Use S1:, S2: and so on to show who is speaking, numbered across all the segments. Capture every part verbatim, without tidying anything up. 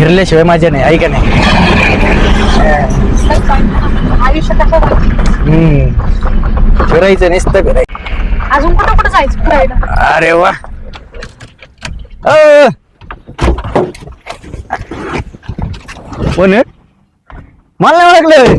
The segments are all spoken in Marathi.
S1: फिरल्याशिवाय माझ्या नाही, ऐका नाही.
S2: आयुष्य कसं
S1: हम्म फिरायचं नुसतं फिरायचं.
S2: अजून कुठं कुठं जायचं फिरायला?
S1: अरे वा. अ. कोण आहे? मला नाही ओळखलं.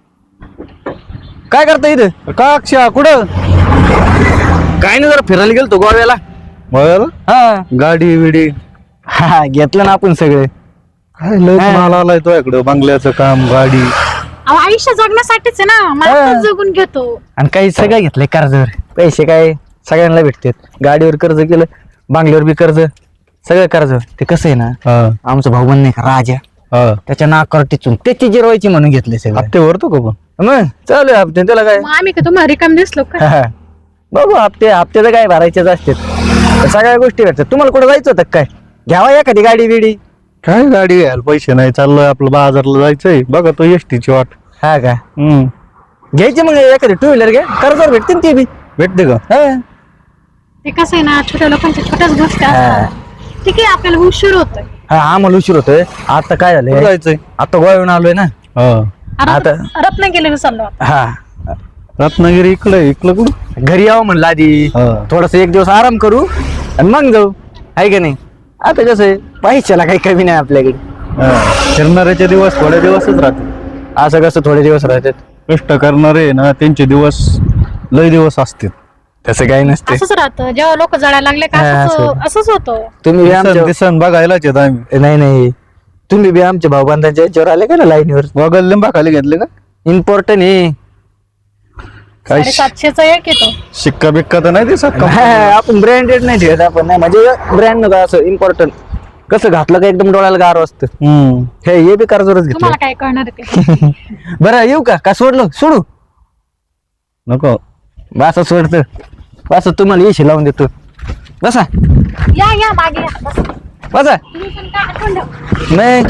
S1: काय करता इथं?
S3: का अक्षा कुठं
S1: काय नाही, जरा फिरायला गेलतो गोव्याला.
S3: बघायला
S1: हा
S3: गाडी विडी
S1: हा घेतलं ना आपण सगळे.
S3: काय लय
S1: हा.
S3: माल आलाय तो इकडं बंगल्याचं काम गाडी
S2: अहो, आयुष्य जगण्यासाठीच आहे ना, मला
S1: हा.
S2: पण जगून घेतो.
S1: आणि काही सगळं घेतलंय कर्जावर. पैसे काय सगळ्यांना भेटतात. गाडीवर कर्ज केलं, बांगल्यावर बी कर्ज, सगळं कर्ज. ते कसं आहे ना,
S3: हा
S1: आमचा भाऊ बन नाही का राजा,
S3: हा
S1: त्याच्या नाकावर टिचून त्याची जिरवायची म्हणून घेतले सगळं.
S3: हप्ते भरतो का पण
S1: मग चालू आहे हप्ते, त्याला काय.
S2: मग आम्ही का तुम्हाला रिकाम दिसलो का?
S1: हा. बघू हप्ते हप्त्याचं काय भरायचेच असतात. सगळ्या गोष्टी भेटतात. तुम्हाला कुठं जायचं होतं काय? घ्यावा एखादी गाडी बिडी.
S3: काय गाडी घ्यायला पैसे नाही, चाललोय आपलं बाजारला जायचंय. बघा तो एसटीची वाट.
S1: हा का
S3: हम्म
S1: घ्यायची मग एखादी टू व्हीलर घ्या, कर्जावर भेटते ना ती बी.
S3: भेटते का?
S1: हा.
S2: ते कसं आहे ना, छोट्या लोकांच्या छोट्याच गोष्टी
S1: हा.
S2: असतात. ठीक आहे, आपल्याला उशीर होतोय.
S1: हा आम्हाला उशीर होतोय. आता काय
S3: कुठं
S1: झालंय,
S3: जायचंय?
S1: आता गोव्याहून आलोय ना.
S3: हा
S1: आता
S2: रत्नागिरीला चाललो आपण.
S1: हा
S3: रत्नागिरी इकडे इकडं कुठं?
S1: घरी यावं म्हणलं आधी,
S3: हा.
S1: थोडस एक दिवस आराम करू आणि मग जाऊ, आहे का नाही. आता कसं आहे, पैशाला काही कमी नाही आपल्याकडे.
S3: हा. फिरणाऱ्याचे दिवस थोडे दिवसच राहते.
S1: असं कसं थोडे दिवस राहतात.
S3: कष्ट करणारे ना त्यांचे दिवस लय दिवस असतील.
S1: तसं काही नसते.
S2: असंच राहतं, जेव्हा लोक जळायला लागले का
S1: हा,
S2: असंच
S1: असं.
S2: असंच होतं.
S1: तुम्ही बी
S3: दिसन
S1: आमच्या
S3: दिसन बघायलाच येत आम्ही.
S1: नाही नाही तुम्ही बी आमच्या भाऊबांधांच्या याच्यावर आले का ना लाईनीवर.
S3: वगल लिंबा खाली घेतले का?
S1: इम्पॉर्टंट आहे.
S3: काय
S2: साडेसातशेचा एक येतो.
S3: शिक्का बिक्का तर नाही दिसत का?
S1: हा, आपण ब्रँडेड नाही ठेवत आपण. नाही म्हणजे ब्रँड नका असं इम्पॉर्टंट. कसं घातलं का एकदम डोळ्याला गार असतं.
S3: हम्म
S1: हे हे बी कर्जवरच घेतलं.
S2: तुम्हाला काय कळणार आहे ते?
S1: बरं येऊ का का सोडलं सोडू.
S3: नको
S1: बसा सोडतं बसा, तुम्हाला येशी लावून देतो. बसा
S2: या या मागे या. बस.
S1: बसा.
S2: तुम्ही पण काय आठवण ठेवा.
S1: नाही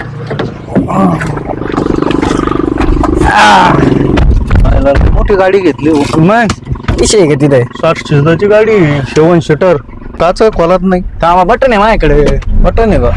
S3: पाहिलं, मोठी गाडी घेतली हो.
S1: मग विषय आहे का तिथे.
S3: साठ सीटाची गाडी, सेवन सीटर. काच खोलात नाही.
S1: कामा बटन आहे माझ्याकडे.
S3: बटन आहे का?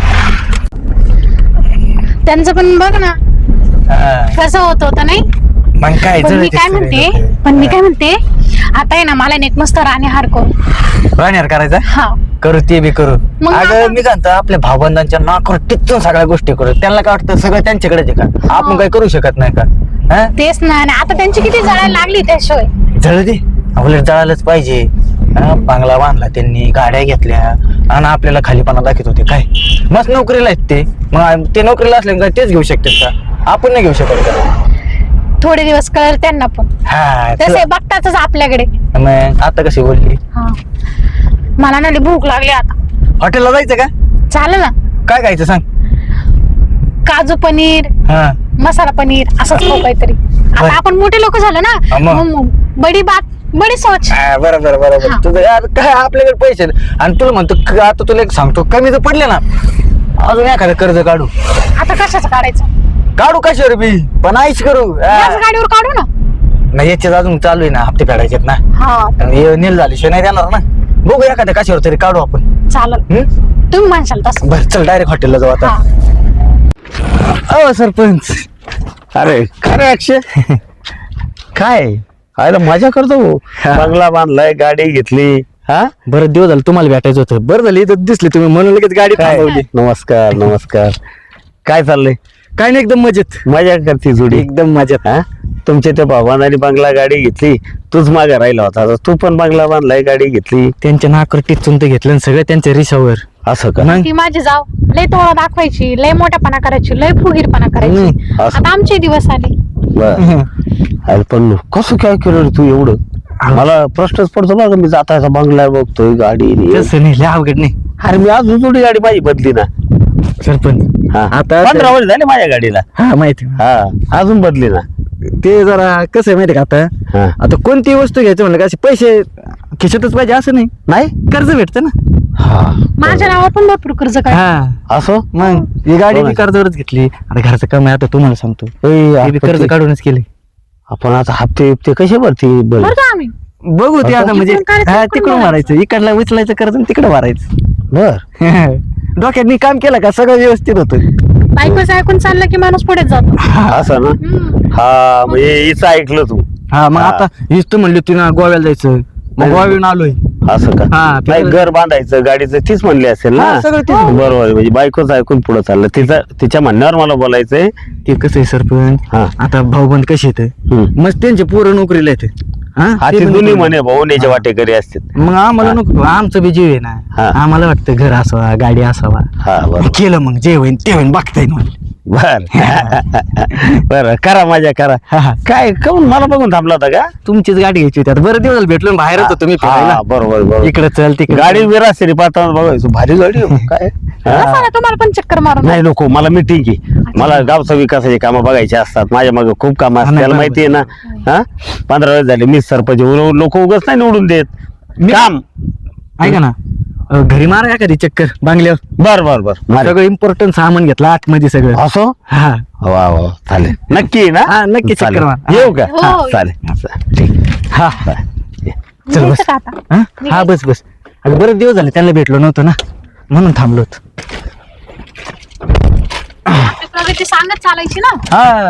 S2: त्यांचं पण बघ ना कसं होत होतं नाही.
S1: मग काय
S2: पण मी
S1: जळते
S2: काय
S1: सगळे
S2: म्हणते
S1: लोकं.
S2: पण मी काय म्हणते आता आहे ना, मला नेक मस्त राणे हार करू.
S1: राहणार करायचा
S2: हा
S1: करू, ते बी करू.
S2: मग
S1: अगं
S2: आता-
S1: मी म्हणतो आपल्या भावबंधांच्या नाकावर टिचून सगळ्या गोष्टी करू. त्यांना काय वाटतं सगळं त्यांच्याकडेच आहे का, आपण काही करू शकत नाही का. हा
S2: तेच ना. आणि आता त्यांची किती जळायला लागली त्याशिवाय.
S1: जळ दे, आपल्याला जळायलाच पाहिजे. हा, बांगला बांधला त्यांनी, गाड्या घेतल्या आणि आपल्याला खालीपणा दाखवत होते. काय मस्त नोकरीला आहेत ते. मग ते नोकरीला असले काय तेच घेऊ शकतात का, आपण नाही घेऊ शकत का.
S2: थोडे दिवस कळलं त्यांना पण.
S1: हा
S2: तसे बघतातच आपल्याकडे.
S1: मग आता कशी बोलली.
S2: हा मला ना लई भूक लागली आता.
S1: हॉटेलला जायचं का,
S2: चालेल ना.
S1: काय खायचं सांग.
S2: काजू पनीर,
S1: हा
S2: मसाला पनीर असंच खाऊ काहीतरी. आता
S1: बरं.
S2: आपण मोठे लोक झालो
S1: हा,
S2: ना,
S1: मग.
S2: मग मग बडी बात बडी सोच.
S1: हा, बरोबर बरोबर.
S2: हा.
S1: तुझं यार काय आपल्याकडे पैसे नाही. आणि तुला म्हणतो क- आता तुला एक सांगतो, कमी जर पडले ना अजून एखादं कर्ज काढू.
S2: आता कशाचं काढायचं?
S1: काढू कशावर बी, पण आईश करू. हा.
S2: याच गाडीवर काढू ना.
S1: नाही याच्यात अजून चालू आहे ना, हप्ते फेडायचे ना.
S2: हा
S1: आणि नील झाल्याशिवाय नाही देणार ना. बघू एखाद्या कशावर तरी काढू आपण.
S2: चालेल,
S1: हम्म?
S2: तुम्ही म्हणशाल तसं.
S1: बरं चल डायरेक्ट हॉटेलला जाऊ आता.
S2: हा
S1: अहो सरपंच.
S3: अरे काय रे अक्षय,
S1: काय
S3: खायला मजा करतो हो. बंगला बांधलाय, गाडी घेतली. हा
S1: बरं दिवस झालं तुम्हाला भेटायचं होतं. बरं झालं इथं दिसली तुम्ही म्हणून लगेच गाडी
S3: काय?
S1: थांबवली.
S3: नमस्कार नमस्कार. काय चाललंय?
S1: काय नाही एकदम मजेत.
S3: मजा करते जोडी.
S1: एकदम मजेत.
S3: हा तुमच्या त्या भावाने बंगला गाडी घेतली, तूच मागे राहिला होता. आता तू पण बंगला बांधलाय, गाडी घेतली.
S1: त्यांच्या नाकर टिचून ते घेतलं आणि सगळं त्यांच्या रिसावर.
S3: असं का?
S1: मग
S2: ती माझी जाव लय तोळा दाखवायची, लय मोठ्यापणा करायची, लय फुगीरपणा करायची.
S1: हम्म,
S3: असं.
S2: आता आमचे दिवस आले.
S3: बरं. अरे पण कसं काय केलं रे तू एवढं? मला प्रश्नच पडतो बघा. मी जाता येता बंगला बघतोय, गाडी आणि हे.
S1: तसं नाही, लय अवघड नाही
S3: अरे मी अजून थोडी गाडी माझी बदली ना.
S1: सरपंच.
S3: हा
S1: आता
S3: पंधरा वर्ष झाले माझ्या गाडीला.
S1: हा माहिती.
S3: हा अजून बदली ना.
S1: ते जरा कसं आहे माहिती का, आता
S3: हा
S1: आता कोणती वस्तू घ्यायचं म्हणलं का असे पैसे खिशातच पाहिजे असं नाही.
S3: नाही.
S1: कर्ज भेटतं ना.
S3: हा
S2: माझ्या नावावर पण भरपूर कर्ज काय.
S1: हा
S3: असं
S1: मग ही गाडी
S3: हो
S1: मी
S3: ना.
S1: कर्जावरच घेतली. आता घरचं काम आहे, आता तुम्हाला सांगतो
S3: ए,
S1: हे बी
S3: आपण
S1: कर्ज
S3: ते-
S1: काढूनच केले.
S3: आपण आता हप्ते हप्ते कसे भरती बरं?
S2: बरं का आम्ही
S1: बघू ते आता म्हणजे
S2: इकडून काढायचं,
S1: हा
S2: इकडून
S1: तिकडून मारायचं, इकडला उचलायचं कर्ज आणि तिकडं मारायचं.
S3: बर
S1: डोक्यात मी काम केलं का सगळं व्यवस्थित होतं.
S2: बायकोच ऐकून चाललं की माणूस पुढे जातो.
S3: असं ना.
S2: हम्म.
S3: हा म्हणजे हिचं ऐकलं तू.
S1: हा मग
S3: हा.
S1: आता हीच तर म्हणली तू ना गोव्याला जायचं, मग गोव्याहून आलोय.
S3: असं का?
S1: हा,
S3: नाही
S1: फिरायला-
S3: घर बांधायचं गाडीचं तीच म्हणली असेल ना.
S1: हा, सगळं तीच.
S3: बरोबर आहे. म्हणजे बायकोच ऐकून पुढे चाललं. तिचा तिच्या म्हणण्यावर मला बोलायचंय.
S1: ते कसं आहे सरपंच,
S3: हा.
S1: आता भाऊबंद कसे येते
S3: हम्म.
S1: मस्त त्यांचे पोरं नोकरीला येते.
S3: हा
S1: ते
S3: ते
S1: पण
S3: दोन्ही
S1: नोकरीला.
S3: म्हणे भाऊ याच्या वाटेकरी असतात.
S1: मग आम्हाला नको, आमचं बी जीव आहे
S3: हा.
S1: ना. आम्हाला वाटतं घर असावा, गाडी असावा.
S3: हा बरोबर.
S1: केलं मग जे होईन ते होईन बघता येईल मला.
S3: बर बर करा मजा करा.
S1: हा, हा.
S3: काय काऊन मला बघून थांबला होता का?
S1: तुमचीच गाडी घ्यायची होती. आता बरं दिवस भेटलो ना, बाहेरच होतो मी
S3: हा,
S1: फिरायला.
S3: बरोबर बरोबर.
S1: इकडे चल तिकडे
S3: गाडी
S1: चल.
S3: विरासरी पाहता बघायचो भारी गाडी आहे. काय
S2: बसा
S3: हा.
S2: ना, तुम्हाला पण चक्कर मारून.
S3: नाही नको मला मीटिंग आहे. मला गावचा विकासाची कामं बघायची असतात. माझ्या मागे खूप कामं
S1: हा,
S3: असतात.
S1: नाही,
S3: त्याला
S1: बरोबर.
S3: माहिती आहे ना. हा पंधरा वेळेस झाले मी सरपंच. लोक उगाच नाही निवडून देत.
S1: मी-
S3: काम
S1: ऐका ना, अं, घरी मारा का कधी चक्कर बांगल्यावर.
S3: बर बर बर मारे.
S1: सगळं इम्पॉर्टंट सामान घेतलं आतमध्ये सगळं.
S3: असो
S1: हा
S3: वा वा चालेल नक्की ना.
S1: हा, नक्की
S3: चालेल.
S1: चक्कर मार.
S3: येऊ का?
S2: हो.
S3: हा, चालेल ठीक.
S1: हा
S3: चालेल.
S1: चल बस.
S2: निघायचं का आता?
S1: हा? हा बस बस. अगं बरेच दिवस झाले त्यांना भेटलो नव्हतो ना, म्हणून थांबलो होतो.
S2: आपली प्रगती सांगत चालायची ना.
S1: हा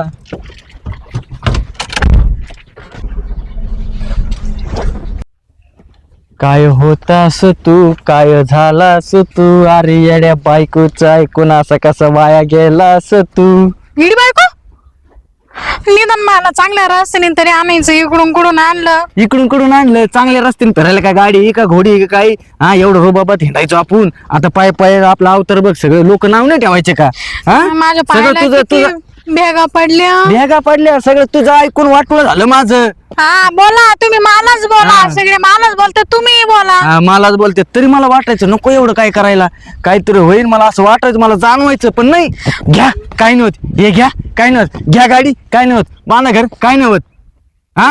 S1: काय होतास तू, काय झालास तू, अरे येड्या बायकोचा ऐकून असा कसा वाया गेलास तू.
S2: हिडी बायको, निदान मला चांगल्या रस्त्याने तरी आणायचं, इकडून कुडून आणलं.
S1: इकडून कडून आणलं चांगल्या रस्त्याने फिरायला, काय गाडी आहे का घोडी आहे का काही. हा एवढं रोबाबात हिंडायचो आपण. आता पाय पाय आपला अवतार बघ, सगळे लोक नाव नाही ठेवायचे का. हा
S2: माझ्या
S1: सगळं
S2: पायाला
S1: तुझं
S2: किती
S1: तुझं
S2: भेगा पडल्या.
S1: भेगा पडल्या, सगळं तुझं ऐकून वाटलं झालं माझं.
S2: हा बोला, तुम्ही मलाच बोला.
S1: हा.
S2: सगळे मलाच बोलते, तुम्ही बोला.
S1: हा, मलाच बोलते तरी मला वाटायचं नको एवढं काय करायला, काहीतरी होईल मला असं वाटायचं, मला जाणवायचं. पण नाही, घ्या काय नव्हत, हे घ्या काय नव्हत, घ्या गाडी काय नव्हत, बांधा घर काय नव्हत. हा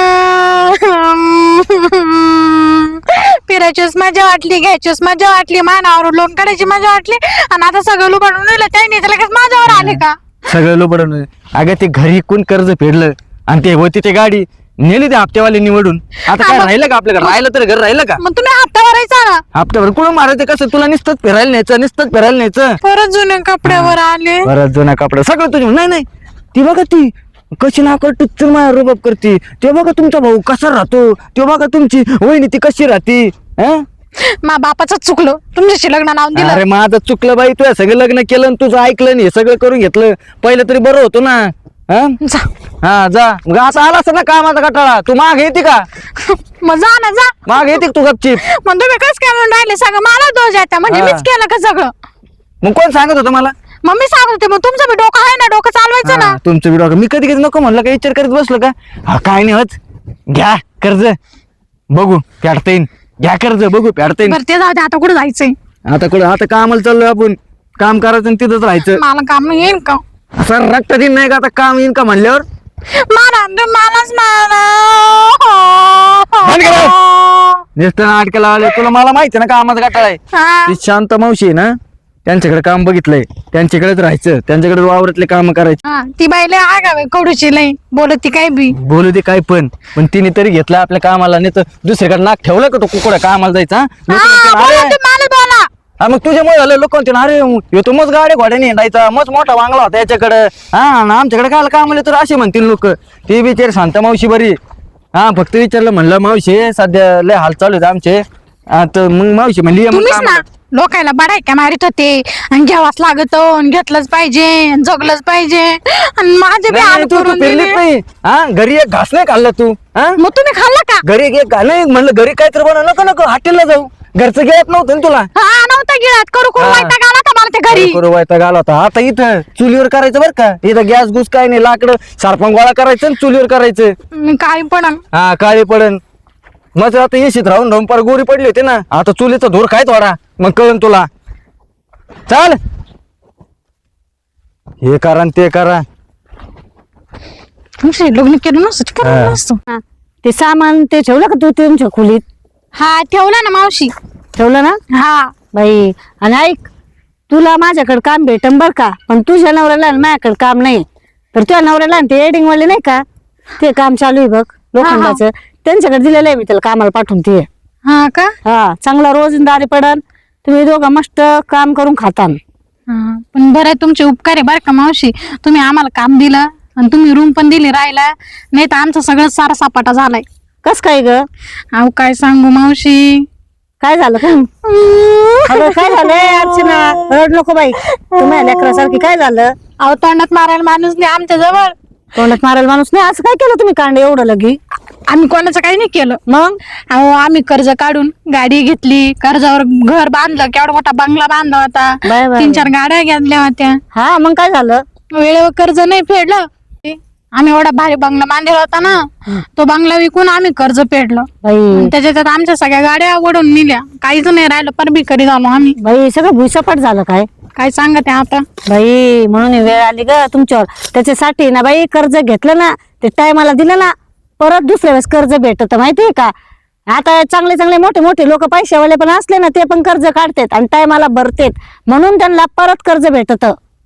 S2: फिरायचीच मजा वाटली, घ्यायचीच मजा वाटली, मानावर लोन काढायची मजा वाटली, आणि आता सगळं लुबाडून नेलं. त्यांनी तर लगेच माझ्यावर आले का?
S1: सगळं लोबडून. अगं ते घरी कोण कर्ज फेडलं आणि ते होती ते गाडी नेली ते हप्त्यावाले निवडून. आता काय
S2: हा, मग-
S1: राहिलं का आपल्याकडे, राहिलं तर घर राहिलं का.
S2: मग तुम्ही हप्ता भरायचा ना.
S1: हप्त्यावर कुठं मारायचं कसं, तुला नुसतंच फिरायला न्यायचं, नुसतंच फिरायला न्यायचं.
S2: परत जुन्या कपड्यावर आले.
S1: परत जुना कपडा सगळं तुझ्या. नाही नाही ती बघा ती कशी नाकड टुच्चर माझ्या रुबाब करते. ते बघा तुमचा भाऊ कसा राहतो, ते बघा तुमची वहिनी ती कशी राहते. हं?
S2: मा बापाच चुकलं, तुमच्याशी लग्न लावून दिलं.
S1: अरे माझं चुकलं बाई, तुझ्या सगळं लग्न केलं आणि तुझं ऐकलं नाही, सगळं करून घेतलं. पहिलं तरी बरं होतं ना. हं?
S2: जा.
S1: हा जा. मग असं आला असं ना कामाचा कटाळा, तू माग येते का,
S2: मग जा ना, जा.
S1: माग येते का तू गपचीप.
S2: मग तुम्ही कस काय म्हणून राहिले, सगळं मला दोष द्यायचा म्हणजे
S1: हा.
S2: मीच केलं का सगळं?
S1: मग कोण सांगत होतं मला.
S2: मग मी सांगत होते, मग तुमचं बी डोकं आहे ना, डोकं चालवायचं ना.
S1: हा, तुमचं व्हिडिओ मी कधी कधी नको म्हणलं का, विचार करीत बसलो का. हा काय नाही होत, घ्या कर्ज बघू फेडता येईन, घ्या कर्ज बघू फेडता येईन.
S2: बरं ते जाऊ दे, आता कुठे जायचंय?
S1: आता कुठं, आता कामाला चाललोय आपण, काम करायचं आणि तिथंच राहायचं.
S2: मला काम नाही येईल का?
S1: असं रक्त दिन नाही का आता काम येईन का म्हणल्यावर.
S2: मला मलाच
S1: बंद करा.
S2: मला
S1: नुसतं नाटकाला आले, तुला मला माहिती ना कामाचा कटाळा आहे.
S2: हा.
S1: ती शांत मावशी आहे ना, त्यांच्याकडे काम बघितलंय, त्यांच्याकडेच राहायचं, त्यांच्याकडे वावरातले काम करायचे.
S2: हा, ती बाई लय आगाव आहे, कडूची लय बोलत ती काय बी.
S1: बोलू दे काय पण पण तिने तरी घेतलं आपल्या कामाला, नाही तर दुसरीकडे नाक ठेवलं का तो कुकडा कामाला जायचा.
S2: हा,
S1: लोकं म्हणतील,
S2: बोला,
S1: अरे
S2: तुम्ही मला बोला.
S1: हा मग तुझ्यामुळे झालं, लोक म्हणतील अरे ह्यो तो मस्त गाडी घोड्याने हिंडायचा, मस्त मोठा वांगला होता याच्याकडे. हा आणि आमच्याकडे काय काम आले तर असे म्हणतील लोक. ती बिचारी शांत मावशी बरी. हा फक्त विचारलं, म्हणलं मावशी सध्या लय हाल चालू आहेत आमचे. हा, तर मग मावशी म्हणली ये मग
S2: तुम्हीच
S1: कामाला.
S2: ना लोकायला बडाय का मारित होते, आणि घ्यावाच लागत, आणि घेतलंच पाहिजे, आणि जगलंच पाहिजे, आणि माझे बी
S1: नाही,
S2: हाल
S1: नाही, तू तू
S2: करून
S1: फिरलीच
S2: दिले.
S1: नाही. हा घरी एक घास नाही खाल्लं तू. हा
S2: मग तुम्ही खाल्ला का?
S1: घरी एक घा नाही म्हणलं, घरी काय तर बनव, नको नको हॉटेलला जाऊ, घरचं गिळत नव्हतं ना तुला.
S2: हा नव्हता गिळत, करू करू
S1: हा.
S2: वैताग आला होता मला ते घरी.
S1: करू वैताग आला होता. आता इथं चुलीवर करायचं बरं का, इथं गॅस गुस काय नाही, लाकडं सारपण गोळा करायचं आणि चुलीवर करायचं.
S2: मी काय पण
S1: हा काळी पडन. मग आता येशीत राहून राहून पार गोरी पडली होती ना, आता चुलीचा धूर काय थोडा, मग कळन तुला. चाल हे करा न ते करा.
S2: तुमचे लग्न केलं नसतं
S1: हा.
S2: करायला नसतं.
S4: हा. ते सामान ते ठेवलं का तू तुमच्या खोलीत
S2: हा ठेवला ना मावशी.
S4: ठेवलं ना
S2: हा
S4: बाई? आणि ऐक, तुला माझ्याकडे काम भेटन बर का, पण तुझ्या नवऱ्याला आणि माझ्याकडे काम नाही. तर तुझ्या नवऱ्याला आणि ते एडिंग वाले नाही का, ते काम चालू आहे बघ लोखंडाचं, त्यांच्याकडे दिलेलं आहे मी त्याला कामाला पाठवून. ते
S2: हा का?
S4: हा चांगला रोजंदारी पडन, तुम्ही दोघं मस्त काम करून खातान.
S2: हा, पण बरं आहे, तुमचे उपकार आहे बरं का मावशी. तुम्ही आम्हाला काम दिलं आणि तुम्ही रूम पण दिली राहायला, नाही तर आमचं सगळं सारा सपाटा झालाय.
S4: कस काय ग?
S2: अहो काय सांगू मावशी.
S4: काय झालं का? अगं काय झालंय अर्चना? रड नको बाई, तुम्ही लेकरासारखी. काय झालं?
S2: अहो तोंडात मारायला माणूस नाही आमच्या जवळ.
S4: तोंडात मारायला माणूस नाही? असं काय केलं तुम्ही कांड एवढं लगी?
S2: आम्ही कोणाचं काही नाही केलं.
S4: मग
S2: अहो आम्ही कर्ज काढून गाडी घेतली, कर्जावर घर बांधलं, केवढा मोठा बंगला बांधला होता,
S4: बाय बाय.
S2: तीन चार गाड्या घेतल्या होत्या.
S4: हा मग काय झालं?
S2: वेळेवर कर्ज नाही फेडलं. आम्ही एवढा भारी बंगला बांधलेला होता ना, तो बंगला विकून आम्ही कर्ज फेडलं.
S4: बाई
S2: त्याच्यात आमच्या सगळ्या गाड्या ओढून नेल्या, काहीच नाही राहिलं, पण भिकारी झालो आम्ही.
S4: बाई सगळं भुईसपाट झालं काय?
S2: काय सांगते आता.
S4: बाई म्हणून ही वेळ आली ग तुमच्यावर. त्याच्यासाठी ना बाई कर्ज घेतलं ना, ते टायमाला दिलं ना, परत दुसऱ्या वेळेस कर्ज भेटत माहितीये का? आता चांगले चांगले मोठे मोठे लोक पैशावाले पण असले ना, ते पण कर्ज काढतात आणि टायमाला भरतेत, म्हणून त्यांना परत कर्ज भेटत.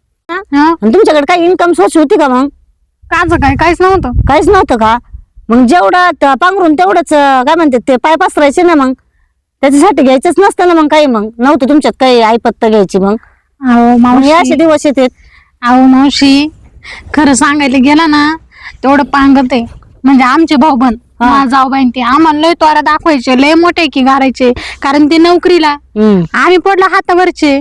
S2: हा?
S4: तुमच्याकडे काही इन्कम सोर्स होती का मग?
S2: काच काय काहीच नव्हतं.
S4: काहीच नव्हतं का? मग जेवढं त- पांघरून तेवढंच अं, काय म्हणते ते पाय पसरायचे ना, मग त्याच्यासाठी घ्यायचंच नसतं ना. मग काही मग नव्हतं तुमच्यात काही आईपत्ता घ्यायची? मग
S2: अहो
S4: मग हे असे
S2: मावशी,
S4: दिवस येतात.
S2: अहो मावशी, खरं सांगायला गेलं ना, तेवढं पांगत आहे. म्हणजे आमचे भाऊ बन जाऊबाईन ते आम्हाला लय तोरा दाखवायचे, लय मोठे की घालायचे, कारण ते नोकरीला,
S4: हम्म.
S2: आम्ही पडलो हातावरचे.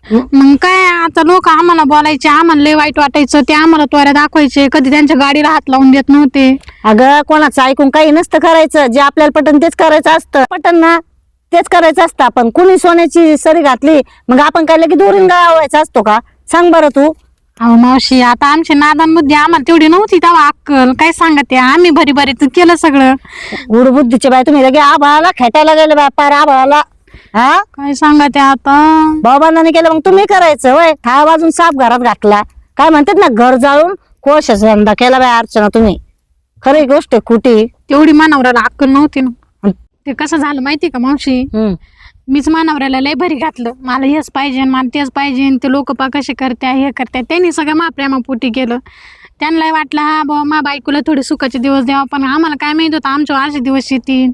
S2: मग काय आता लोक आम्हाला बोलायचे, आम्हाला लय वाईट वाटायचं, ते आम्हाला तोऱ्या दाखवायचे, कधी त्यांच्या गाडीला हात लावून देत नव्हते.
S4: अगं कोणाचं ऐकून काही नसतं करायचं. जे आपल्याला पटन तेच करायचं असतं. पटन ना तेच करायचं असतं. आपण कुणी सोन्याची सरी घातली मग आपण काय लगेच दोरीन गावायचा असतो का? सांग बरं तू.
S2: अहो मावशी, आता आमची नादान बुद्धी आम्हाला तेवढी नव्हती तेव्हा अक्कल. काय सांगते, आम्ही भरी भरी केलं सगळं.
S4: गुड बुद्धीचे बाय तुम्ही लगे आभाळाला खेटायला गेले बाय, पार आभाळाला. हा
S2: काय सांगते आता.
S4: भाऊबांधाने केलं मग तुम्ही करायचं वय. हा वाजून साप घरात घातला. काय म्हणतात ना, घर जाळून कोशाचा धंदा केला बाय अर्चना तुम्ही. खरी गोष्ट आहे कुठे.
S2: तेवढी मानवऱ्याला अक्कल नव्हती ना. ते कसं झालं माहिती का मावशी,
S4: हम्म.
S2: मीच मानवऱ्याला लय भरी घातलं, मला हेच पाहिजे मला तेच पाहिजे, ते लोक पा कसे करत्या हे करत्या. त्यांनी सगळं मा प्रेमापोटी केलं. त्यांना वाटलं हा बाबा मा बायकोला थोडे सुखाचे दिवस द्यावा, पण आम्हाला काय माहित होतं आमच्या असे दिवस येतील.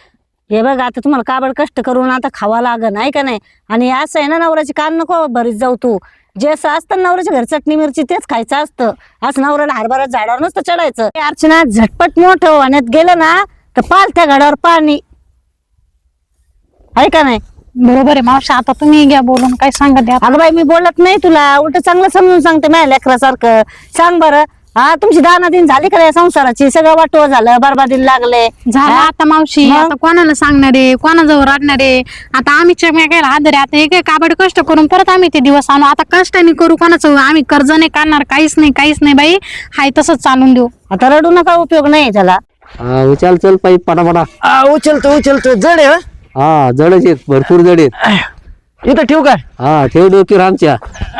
S4: हे बघ आता तुम्हाला काबड कष्ट करून आता खावा लागन, नाही का नाही? आणि असं आहे ना, नवऱ्याची कान नको भरीत जाऊ तू. जे असं असतं नवऱ्याच्या घरी चटणी मिरची तेच खायचं असतं. असं नवऱ्याला हरभरा झाडावर नसतं चढायचं. हे अर्चना झटपट मोठं होण्यात गेलं ना तर पाल त्या घडावर पाणी, आहे का नाही?
S2: बरोबर आहे मावशी, आता तुम्ही घ्या बोलून. काय सांगते आता.
S4: अगं बाई मी बोलत नाही तुला, उलट चांगलं समजून सांगते माझ्या लेकरासारखं. सांग बरं, हा तुमची दाना दिन झाली का या संसाराची? सगळं वाटोळ झालं, बरबादीला लागले.
S2: झालं आता मावशी.
S4: मग?
S2: आता कोणाला सांगणार आहे, कोणाजवळ रडणार आहे? आता आम्ही चमेकायला आदर आता हे काय काबड कष्ट करून परत आम्ही ते दिवस आणू. आता कष्टाने करू, कोणाचं आम्ही कर्ज नाही काढणार, काहीच नाही काहीच नाही बाई. हाय तसंच चालून देऊ.
S4: आता रडू नका, उपयोग नाही त्याला.
S3: हा उचल चल पाईप पटापटा.
S1: आ, उचलतो उचलतो. जड आहे.
S3: हा जडच आहेत, भरपूर जड आहेत.
S1: हा? इथं ठेवू काय?
S3: हा ठेव डोकीवर आमच्या.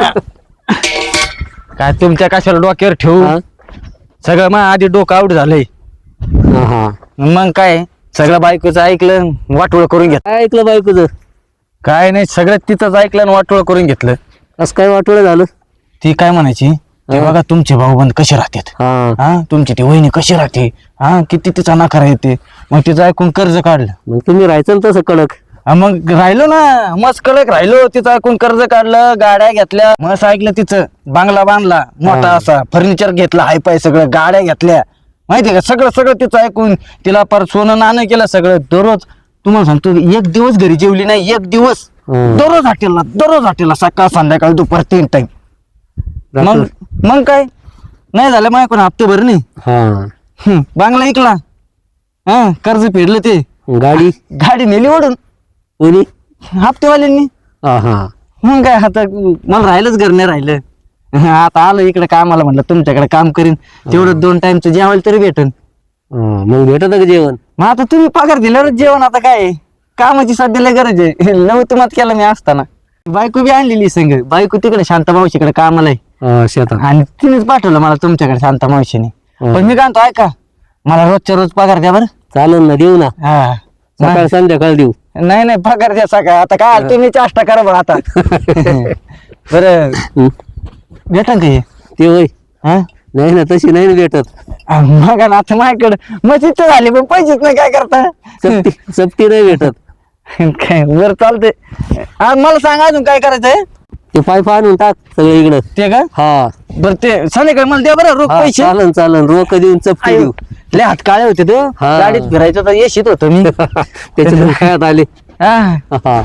S1: काय तुमच्या कशाला डोक्यावर ठेवू?
S3: हा
S1: सगळं मग आधी डोकं आउट झालंय.
S3: हा हा.
S1: मग काय सगळं बायकोचं ऐकलं, वाटोळ करून घेतलं.
S3: काय ऐकलं बायकोचं?
S1: काय नाही, सगळं तिथंच ऐकलं आणि वाटोळ करून घेतलं.
S3: असं काय वाटोळं झालं?
S1: ती काय म्हणायची, ते
S3: हा.
S1: बघा तुमचे भाऊबंद कसे राहतात,
S3: हा
S1: हा तुमची ती वहिनी कशी राहते, हा किती तिचा नकार येते. मग तिचं ऐकून कर्ज काढलं.
S3: मग तुम्ही राहायचं ना तसं कडक.
S1: हा, मग राहिलो ना, मस्त कडक राहिलो. तिचं ऐकून कर्ज काढलं, गाड्या घेतल्या, मस्त ऐकलं तिचं, बांगला बांधला मोठा
S3: हा.
S1: असा, फर्निचर घेतला हाय पाय, सगळं गाड्या घेतल्या. माहितीये का, सगळं सगळं तिचं ऐकून तिला पर सोनं नाणं केलं सगळं. दररोज तुम्हाला सांगतो, एक दिवस घरी जेवली नाही, एक दिवस.
S3: हम्म.
S1: दररोज हॉटेलला, दररोज हॉटेलला, सकाळ संध्याकाळ दुपार तीन टाइम. मग मग काय नाही झालं मग ऐकून हप्ते भर नाही.
S3: हा
S1: हम्म, बांगला ऐकला, हा कर्ज फेडलं, ते
S3: गाडी
S1: गाडी नेली ओढून
S3: कोणी?
S1: हप्तेवाल्यांनी.
S3: हा हा.
S1: मग काय आता मला राहिलंच घर नाही राहिलं. आता आलं इकडे कामाला, म्हणलं तुमच्याकडे काम करीन, तेवढं दोन टाइमचं जेवायला तरी भेटन.
S3: हा, मग भेटत का जेवण?
S1: मग आता तुम्ही पगार दिल्यावरच जेवण. आता काय कामाची सध्याला गरज आहे. नव्हतं केलं मी असताना. बायको बी आणलेली संग, बायको तिकडे शांता मावशीकडे कामाला आहे,
S3: हा, शेतात.
S1: आणि तिनेच पाठवलं मला तुमच्याकडे शांता मावशीने.
S3: हा.
S1: पण मी काय म्हणतो, ऐका मला रोजच्या रोज पगार द्या बरं.
S3: चालेल ना, देऊ ना.
S1: हा
S3: सकाळ संध्याकाळ देऊ.
S1: नाही नाही, पगार द्या सकाळ. आता काय तुम्ही चेष्टा करा बरं आता. बरं
S3: हं.
S1: भेटन का हे?
S3: ते होय?
S1: हा
S3: नाही ना, तशी नाही ना भेटत.
S1: मग ना आता माझ्याकडे मग तिथं झाले, पण पैसेच नाही, काय करता.
S3: सक्ती सक्ती नाही भेटत.
S1: काय बरं चालते. मला सांगा अजून काय करायचंय.
S3: ते पाईप आणून टाक सगळं इकडं.
S1: ते का
S3: हा
S1: बरं ते संध्याकाळी मला द्या बरं रोख
S3: हा,
S1: पैसे.
S3: चालन चालन रोख देऊन चपटी
S1: आयो,
S3: देऊ.
S1: लय हात काळे होते तो
S3: हा.
S1: गाडीत फिरायचं तर येशीत होतो मी.
S3: त्याच्या डोक्यात आले.
S1: हा
S3: हा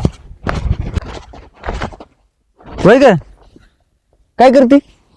S1: होय का काय करते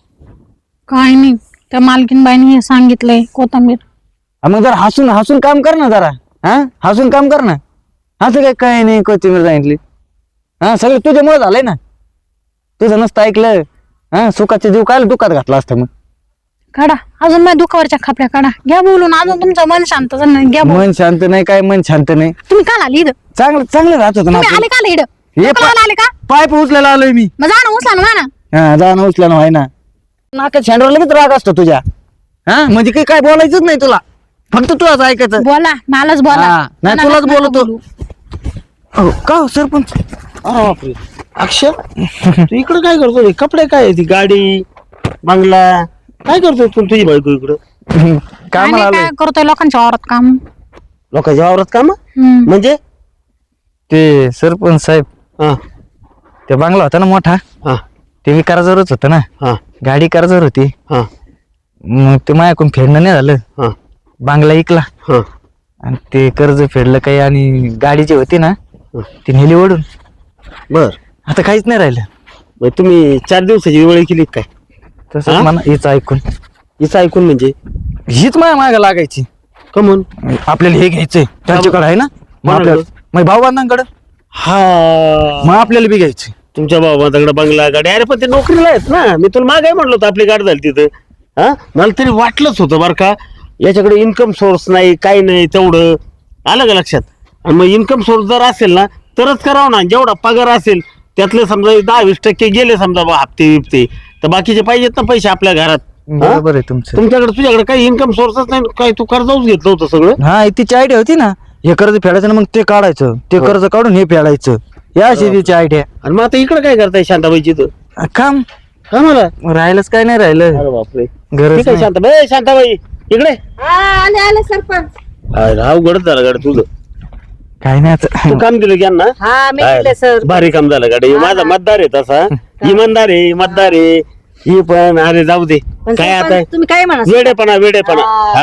S2: काय नाही त्या मालकीन बाईने हे सांगितलंय कोथंबीर.
S1: हा, मग जरा हसून हसून काम कर ना जरा. हा हसून काम कर ना. असं काय काय नाही कोथिंबीर सांगितली. हा सगळं तुझ्यामुळे झालंय ना. तुझं नसतं ऐकलं हा सुखाचे जीव काय दुखात घातला असतं मग.
S2: काढा अजून माझ्या दुखावरच्या खापऱ्या काढा. घ्या बोलून अजून तुमचं मन शांत झालं नाही. घ्या बोलून.
S1: मन शांत नाही काय मन शांत नाही.
S2: तुम्ही काल आली इथं
S1: चांगलं चांगलं राहत होतं ना
S2: तुम्ही
S1: आपण.
S2: आले काल इथं
S1: हे
S2: लोकं लावायला आले का
S1: पाईप उचलायला आलोय मी.
S2: मग जा ना उचला ना म्हणा.
S1: हा जा ना उचला ना व्हाय ना. नाका शेंडवर लगेच राग असतो तुझ्या. हा म्हणजे काही काय बोलायचंच नाही तुला फक्त तुलाच ऐकायचं.
S2: बोला मलाच बोला
S1: हा, नाही
S2: मला
S1: तुलाच
S2: नका
S1: बोलतो.
S2: बोलू.
S1: अहो, का हो सरपंच
S3: अरे बापरे अक्षय तू इकडं काय करतो कपडे काय ती गाडी बंगला काय करतो तू तुझी बायको इकडं
S2: काय
S1: कामाला
S2: नाही,
S1: आलोय.
S2: काय करतोय लोकांच्या वावरात काम.
S3: लोकांच्या वावरात काम
S2: हम्म.
S3: म्हणजे
S1: ते सरपंच साहेब
S3: हा
S1: ते बंगला होता ना मोठा
S3: हा
S1: ते कर्जावरच होतं ना.
S3: हा
S1: गाडी कर्जावर होती.
S3: हा
S1: मग ते माझ्याकडून फेडणं नाही झालं.
S3: हा
S1: बांगला इकला
S3: हा
S1: आणि ते कर्ज फेडलं काही आणि गाडी जी होती ना ती नेली ओढून.
S3: बर
S1: आता काहीच नाही राहिलं.
S3: मग तुम्ही चार दिवसाची वेळ केली काय
S1: तसं
S3: हा?
S1: म्हणा हिचं ऐकून
S3: हिचं ऐकून म्हणजे
S1: हीच माझ्या मागे लागायची.
S3: कमून
S1: आपल्याला हे घ्यायचंय त्यांच्याकडे आहे ना मग
S3: कोणाकडं?
S1: आपल्या मग भाऊ बांधांकडं
S3: हा
S1: मग आपल्याला बी घ्यायचे.
S3: तुमच्या बाबाकडे बंगला गाडी अरे पण ते नोकरीला आहेत ना मी तुला मागे म्हणलो होतं आपली गाडी झाली तिथं हा मला तरी वाटलंच होतं बरं का याच्याकडे इन्कम सोर्स नाही काही नाही तेवढं आलं का लक्षात. आणि मग इन्कम सोर्स जर असेल ना तरच करावं ना जेवढा पगार असेल त्यातले समजा दहा वीस टक्के गेले समजा बा हप्ते बिप्ते तर बाकीचे पाहिजेत ना पैसे आपल्या घरात. हा?
S1: बरोबर आहे तुमचं.
S3: तुमच्याकडे तुझ्याकडे काही इन्कम सोर्सच नाही काय तू कर्जाऊच घेतलं होतं सगळं.
S1: हा तिची आयडिया होती ना हे कर्ज फेडायचं ना मग ते काढायचं ते कर्ज काढून हे फेडायचं या अशी तिची आयडिया.
S3: आणि मग आता इकडे काय करताय शांताबाईची तर
S1: काम
S3: का मला
S1: राहिलंच काय नाही राहिलं.
S3: अरे बापरे
S1: गरज
S3: ठीक आहे
S1: नाही.
S3: शांताबाई शांताबाई इकडे
S4: आले आले सरपंच.
S3: अवघडच झालं गाडी तुझं
S1: काय नाही आता.
S3: तू काम दिलं की यांना
S4: हा मी
S3: काय?
S4: दिले सर.
S3: भारी काम झालं गाडी माझा मतदार आहे तसा इमानदार आहे मतदार आहे ही पण अरे जाऊ दे
S4: पण
S3: काय
S4: सरपंच,
S3: आता
S4: तुम्ही काय म्हणा
S3: वेडेपणा वेडेपणा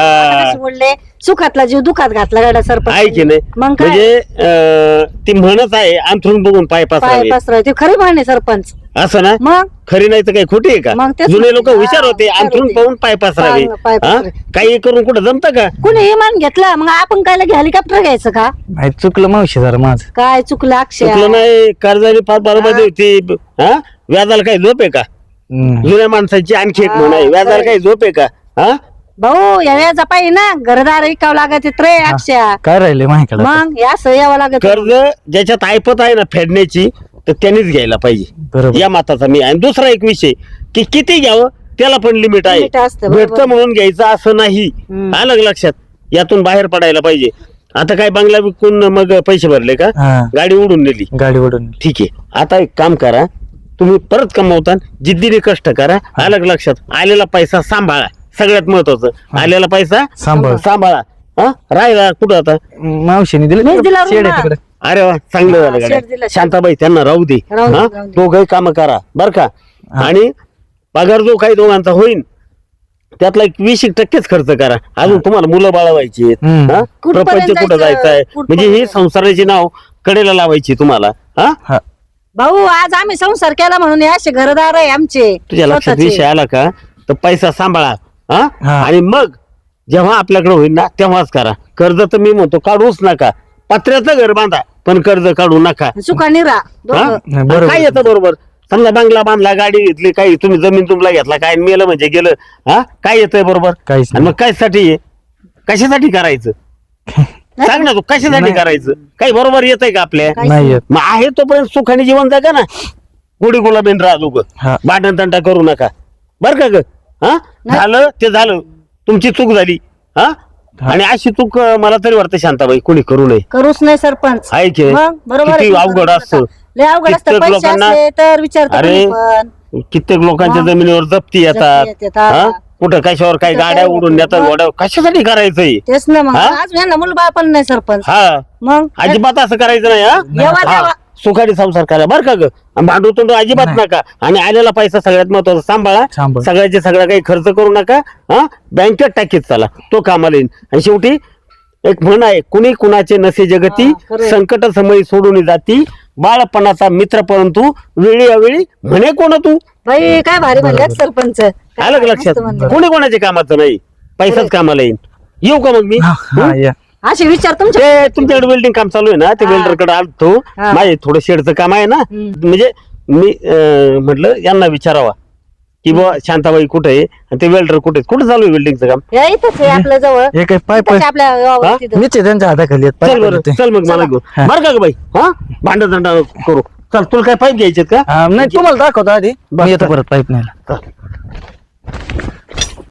S3: हा
S4: बोलले सुखातला जीव दुखात घातला गाड्या सरपंच.
S3: आहे की नाही
S4: मग काय
S3: म्हणजे अं, ती म्हणत आहे अंथरून बघून पाय
S4: पाय
S3: पसरावे
S4: पसराय ते खरी म्हणे सरपंच.
S3: असं ना
S4: मग
S3: खरी नाही तर काही खोटी आहे का
S4: मग तेच
S3: जुने लोक
S4: म्हणते.
S3: हुशार
S4: हा,
S3: होते
S4: हुशार
S3: अंथरून
S4: होते.
S3: पाहून पाय पसरावे
S4: पाय- पाय
S3: हा?
S4: पसरावे.
S3: काही करून कुठं जमतं का
S4: कुणी इमान घेतलं मग आपण काय लगे हेलिकॉप्टर घ्यायचं का
S1: नाही, चुकलं मावशी जरा माझं.
S4: काय चुकलं अक्षय.
S3: चुकलं नाही कर्जाने फार बरोबर होती हा व्याजाला काही झोप आहे का
S1: हम्म.
S3: जुन्या माणसाची आणखी एक म्हण आहे व्याजाला काही झोप आहे का हा
S4: भाऊ या व्याजा पाहिजे ना घरदार विकावं लागत रे अक्षय.
S1: काय राहिले माझ्याकडे आता?
S4: मग या असं यावं लागत.
S3: कर्ज ज्याच्यात ऐपत आहे ना फेडण्याची तर त्यांनीच घ्यायला पाहिजे
S1: बरोबर.
S3: या मताचा मी आणि दुसरा एक विषय की किती घ्यावं त्याला पण लिमिट आहे
S4: Limit असतं, बरोबर.
S3: भेटतं म्हणून घ्यायचं असं नाही
S4: हम्म.
S3: आलं का लक्षात यातून बाहेर पडायला पाहिजे. आता काय बंगला विकून मग पैसे भरले का
S1: हा
S3: गाडी उडून नेली
S1: गाडी ओढून.
S3: ठीक आहे आता एक काम करा तुम्ही परत कमवता जिद्दीने कष्ट करा आलं का लक्षात आलेला पैसा सांभाळा सगळ्यात महत्वाचं आलेला पैसा
S1: सांभाळ.
S3: सांभाळा हा राहिला कुठं आता
S1: मावशीने दिलं
S4: मीच दिला
S1: शेड आहे
S4: ना.
S1: तिकडे.
S3: अरे वा चांगलं
S4: हा,
S3: झालं
S4: शेड
S3: गाड्या.
S4: दिला, शेड.
S3: शांताबाई त्यांना राहू दे
S4: राहू दे,
S3: हा
S4: राहू दे.
S3: दोघही काम करा बर का
S1: हा.
S3: आणि पगार जो काही दोघांचा होईल त्यातला एक वीस एक टक्केच खर्च करा अजून तुम्हाला मुलं बाळवायची
S1: हम्म.
S4: कुठपर्यंत
S3: प्रपंच कुठं
S4: जायचं?
S3: जायचंय
S4: कुठपर्यंत?
S3: म्हणजे ही संसाराची नाव कडेला लावायची तुम्हाला हा
S1: हा
S4: भाऊ आज आम्ही संसार केला म्हणून हे असे घरदार आहे आमचे
S3: तुझ्या लक्षात
S4: स्वतःचे.
S3: विषय आला का तर पैसा सांभाळा हा
S1: हा.
S3: आणि मग जेव्हा आपल्याकडे होईल ना तेव्हाच करा कर्ज तर मी म्हणतो काढूच नका पत्र्याचं घर बांधा पण कर्ज काढू नका
S4: सुखाने राहा
S3: हा?
S4: दोघं.
S1: नाही, बरोबर.
S3: काय येतं बरोबर समजा बंगला बांधला गाडी घेतली काही तुम्ही जमीन तुमला घेतला काय मेलं म्हणजे गेलं हा काय येतंय बरोबर
S1: काहीच
S3: आणि मग कशासाठी आहे कशासाठी करायचं सांग ना तू कशासाठी
S1: नाही.
S3: करायचं काही बरोबर येतंय का आपल्या
S4: काहीच
S1: नाही येत.
S3: मग आहे तोपर्यंत सुखाने जीवन जगा ना गुढी गुलाबीन राहा दोघं
S1: हा.
S3: भांडण तंटा करू नका बर का ग हा झालं ते झालं तुमची चूक झाली हा
S1: हा.
S3: आणि अशी चूक अं, मला तरी वाटतं शांताबाई कोणी करू नये
S4: करूच नाही सरपंच.
S3: आहे की
S4: मग बरोबर आहे
S3: किती
S4: तुमचं.
S3: अवघड असतं
S4: लय अवघड असतं
S3: कित्येक
S4: पैसे
S3: लोकांना-
S4: असले तर विचारतो
S3: अरे,
S4: कोणी पण.
S3: कित्येक लोकांच्या
S4: मग?
S3: जमिनीवर जप्ती येतात
S4: जप्ती येतात.
S3: हा? कुठं कशावर काही
S4: कुठं
S3: गाड्या
S4: काय
S3: उडून
S4: होतं?
S3: नेतात
S4: मग?
S3: गोड्या कशासाठी करायचंय
S4: तेच ना मग
S3: हा?
S4: आज यांना मुलबाळ पण नाही सरपंच.
S3: हा
S4: मग
S3: अजिबात असं करायचं नाही हा
S4: येवा
S3: हा.
S4: देवा.
S3: सुखाडी संसार करा बरं का ग भांडूतून अजिबात
S1: नाही.
S3: नका आणि आलेला पैसा सगळ्यात महत्वाचा सांभाळा
S1: सांभाळ.
S3: सगळ्याचे सगळा काही खर्च करू नका हा बँकेत टाकीत चला तो कामाला येईल आणि शेवटी एक म्हण आहे कुणी कुणाचे नसे जगती
S4: हा, खरंय.
S3: संकट समयी सोडून जाती बाळपणाचा मित्र परंतु वेळी अवेळी म्हणे कोण तू
S4: बाई काय भारी म्हणले सरपंच काय
S3: आलं का
S4: मस्त
S3: लक्षात
S4: म्हणले.
S3: कोणी कोणाच्या कामाचं नाही पैसाच कामाला येईल येऊ का मग मी
S1: हा, हा, या.
S4: असे विचार तुमच्या
S3: ते तुमच्याकडे वेल्डिंग काम चालू आहे ना ते
S4: हा.
S3: वेल्डर कडे आलतो
S4: हा.
S3: माझे थोडं शेडचं काम आहे ना
S4: हम्म.
S3: म्हणजे मी अं, म्हटलं यांना विचारावा की बुवा शांताबाई कुठे आहे आणि ते वेल्डर कुठे आहे? कुठे चालू आहे वेल्डिंगचं काम
S4: या इथंच आहे आपल्या जवळ
S1: हे काय पाय पाय
S4: इथंच आपल्या गावात तिथं.
S1: मीच आहे त्यांच्या हाताखाली आहेत, पाय
S3: चल बरं
S1: पाय ते.
S3: चल मग मला घेऊन
S1: हा.
S3: बरं का ग बाई हा भांड दंडा करू चल तुला काय पाईप घ्यायचे का
S1: हा, नाही तुम्हाला दाखवतो आधी
S3: बरं,
S1: मी येतो
S3: चल.
S1: परत पाईप न्यायला
S3: चल.